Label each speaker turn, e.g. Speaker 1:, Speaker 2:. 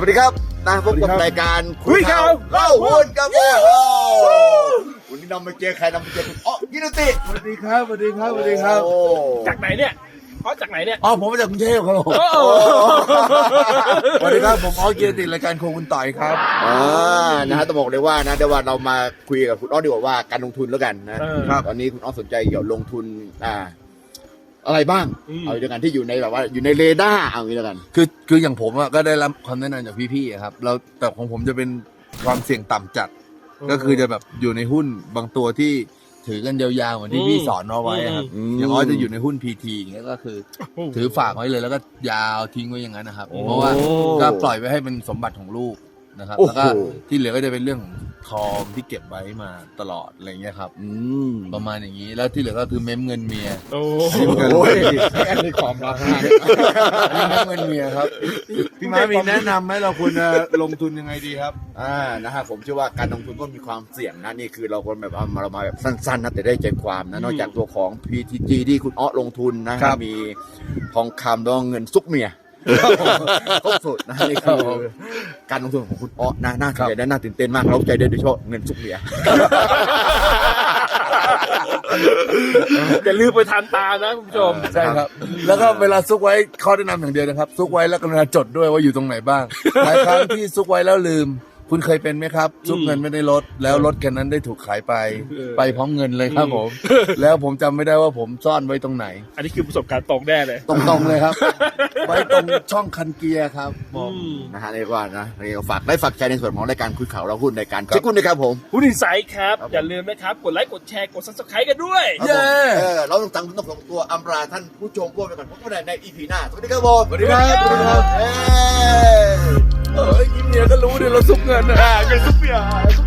Speaker 1: วัสดีครับนะพบกับรายการ
Speaker 2: คุยข่าวเล่าหุ้น
Speaker 1: กับวันนี้นำมาเจอใครนำมาเจอคุณอ๋อยินดี
Speaker 2: สวัสดีครับสวัสดีครับสวัสดีครับ
Speaker 1: โอ้
Speaker 3: จากไหนเนี่ยเพราะจากไหนเนี่ย
Speaker 2: อ๋อผมมาจากกรุงเทพครับผมสวัสดีครับผมออสเกียรติรายการโคคุณต่อยครับ
Speaker 1: นะฮะต้องบอกเลยว่านะเดี๋ยววันเรามาคุยกับคุณอ๋อดีกว่าว่าการลงทุนแล้วกันนะครับตอนนี้คุณอ๋อสนใจเกี่ยวกับลงทุนอะไรบ้างเอาอย่างกันที่อยู่ในแบบว่าอยู่ในเรดาร์เอาอย่างนี้แล้วกัน
Speaker 2: คืออย่างผมอะก็ได้รับคำแนะนำจากพี่ๆอะครับแล้วแต่ของผมจะเป็นความเสี่ยงต่ำจัด ก็คือจะแบบอยู่ในหุ้นบางตัวที่ถือกันยาวๆเหมือนที่พี่สอนเอาไว้อะครับอย่างน้อยจะอยู่ในหุ้น PT อย่างเงี้ยก็คือถือฝากไว้เลยแล้วก็ยาวทิ้งไว้อย่างนั้นนะครับเพราะว่าก็ปล่อยไว้ให้เป็นสมบัติของลูกนะครับแล้วก็ที่เหลือก็จะเป็นเรื่องของทองที่เก็บไว้มาตลอดอะไรเงี้ยครับประมาณอย่างนี้แล้วที่เหลือก็คือเม้มเงินเมีย
Speaker 3: โอ้
Speaker 1: โอ้ยแอนนี่ความรัก
Speaker 2: เม้มเงินเมียครับพี่ม้ามีแนะนำไหมเราควรจะลงทุนยังไงดีครับ
Speaker 1: นะฮะผมเชื่อว่าการลงทุนก็มีความเสี่ยงนะนี่คือเราคนแบบเอามาเรามาแบบสั้นๆนะแต่ได้ใจความนะนอกจากตัวของ PTG ที่คุณอ๋อลงทุนนะฮะมีทองคำแล้วเงินซุกเมียครบสุดนะนี่คือการลงทุนของคุณอ๋อน่าสนใจและน่าตื่นเต้นมากเราใจได้โดยเฉพาะเงินซุกเมีย
Speaker 3: อย่าลืมไปทานตามนะคุณผู้ชม
Speaker 2: ใช่ครับแล้วก็เวลาซุกไว้ข้อแนะนำอย่างเดียวนะครับซุกไว้แล้วกรุณาจดด้วยว่าอยู่ตรงไหนบ้างหลายครั้งที่ซุกไว้แล้วลืมคุณเคยเป็นไหมครับซุกเงินไม่ได้ลดแล้วรถคันนั้นได้ถูกขายไปพร้อมเงินเลยครับผมแล้วผมจำไม่ได้ว่าผมซ่อนไว้ตรงไหน
Speaker 3: อันนี้คือประสบการณ์ตรงแน่เลย
Speaker 2: ตรงๆเลยครับ ไว้ตรงช่องคันเกียร์ครับผม
Speaker 1: นะฮะเรียกว่านะเรียกว่าฝากใจในส่วนของรายการคุยข่าวเราหุ้นในการเช็คหุ้นนะครับผม
Speaker 3: หุ้นอินไซด์ครับ อย่าลืมนะครับ กดไลค์กดแชร์กด subscribe กันด้วย
Speaker 1: เย้เราต้องส่งตัวอำลาท่านผู้ชมพวกไปก่อนพบกันใน EP หน้าสวัสดีครับผม
Speaker 2: สวัสดีครับสวัสดีครับ
Speaker 1: เย้
Speaker 2: เอ้ยยิ้มเมียก็รู้ดิเราซุกเงินนะ
Speaker 1: เงินซุปเปีย